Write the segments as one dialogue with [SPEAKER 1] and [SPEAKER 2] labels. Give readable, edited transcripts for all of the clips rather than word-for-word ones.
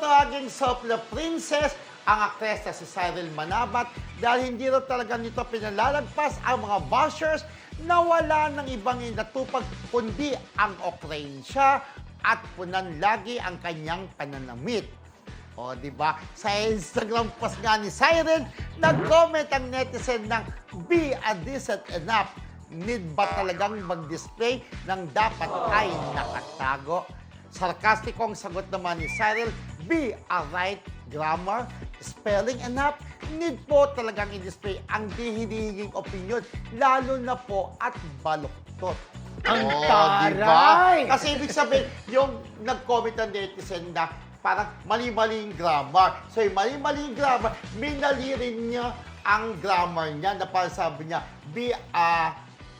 [SPEAKER 1] tawaging Sopla Princess ang aktres na si Cyril Manabat dahil hindi raw talaga nito pinalalagpas ang mga bashers na wala ng ibang natupag kundi ang okrensya at punan lagi ang kanyang pananamit. O, di ba? Sa Instagram post nga ni Cyril, nag-comment ang netizen ng "Be a decent enough. Need ba talagang mag-display ng dapat ay nakatago?" Sarkastikong sagot naman ni Cyril, "Be a right grammar, spelling enough. Need po talagang i-display ang di hinihinging opinion, lalo na po at baluktot."
[SPEAKER 2] Ang
[SPEAKER 1] diba?
[SPEAKER 2] taray!
[SPEAKER 1] Kasi ibig sabihin, yung nag-comment ng netizen na parang mali-mali yung grammar. So yung mali-mali yung grammar, minali rin niya ang grammar niya na parang sabi niya, be a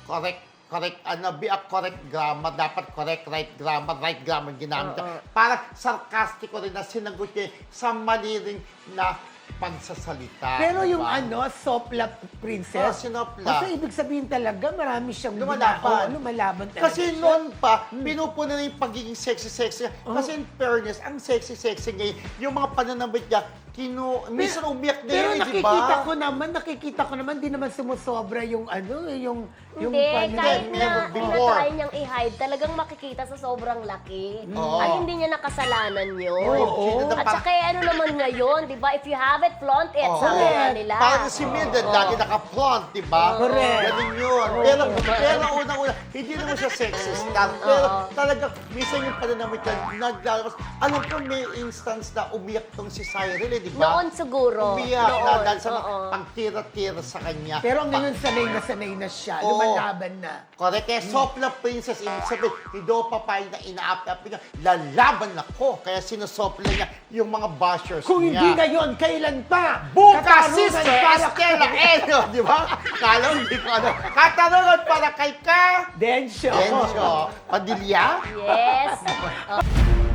[SPEAKER 1] correct grammar, dapat correct, right grammar ginamit. Parang sarkastiko rin na sinagot niya sa mali rin na pagsasalita.
[SPEAKER 2] Pero yung
[SPEAKER 1] diba?
[SPEAKER 2] Sopla Princess,
[SPEAKER 1] Sinopla.
[SPEAKER 2] kasi ibig sabihin talaga marami siyang
[SPEAKER 1] Lumalaban.
[SPEAKER 2] lumalaban talaga
[SPEAKER 1] Kasi
[SPEAKER 2] siya.
[SPEAKER 1] noon pa, pinupunan na yung pagiging sexy-sexy. Kasi in fairness, ang sexy-sexy ngayon, yung mga pananamit niya, minsan umiyak na
[SPEAKER 2] Pero
[SPEAKER 1] yun, di ba?
[SPEAKER 2] nakikita ko naman, di naman sumusobra yung yung
[SPEAKER 3] Hindi, kahit na
[SPEAKER 1] before.
[SPEAKER 3] tinatry niyang i-hide, talagang makikita sa sobrang laki.
[SPEAKER 1] Oo.
[SPEAKER 3] Ay, hindi niya nakasalanan yun.
[SPEAKER 1] Oo.
[SPEAKER 3] At saka ano naman ngayon, di ba? If you have it, flaunt it.
[SPEAKER 1] Oo.
[SPEAKER 3] Sabi nga nila.
[SPEAKER 1] Parang si Mildred, lagi naka-front, di ba?
[SPEAKER 2] Correct.
[SPEAKER 1] Ganun yun. Pero unang-una, hindi naman siya sexy star. Pero talaga, minsan yung pananamit niya, naglalabas. Alam ko, may instance na umiyak tong si Cyril, di ba?
[SPEAKER 3] Noon siguro.
[SPEAKER 1] Umiyak na
[SPEAKER 3] Noon,
[SPEAKER 1] dahil sa
[SPEAKER 3] oo.
[SPEAKER 1] pagtira-tira sa kanya.
[SPEAKER 2] Pero ngayon sanay na siya,
[SPEAKER 1] Oo.
[SPEAKER 2] lumalaban na.
[SPEAKER 1] Correct. Kaya Sopla Princess, ibig sabihin, hindi ako papayag na inaapi-api niya. Lalaban ako. Kaya sinusopla niya yung mga bashers
[SPEAKER 2] Kung
[SPEAKER 1] niya.
[SPEAKER 2] hindi ngayon, kailan pa?
[SPEAKER 1] Bukas,
[SPEAKER 2] Katarungan
[SPEAKER 1] Sister
[SPEAKER 2] para
[SPEAKER 1] Estela Eno, di ba? Kala mo, hindi ko ano. Katarungan para kay Ka.
[SPEAKER 2] Densyo.
[SPEAKER 1] Densyo. Padilla?
[SPEAKER 3] Yes.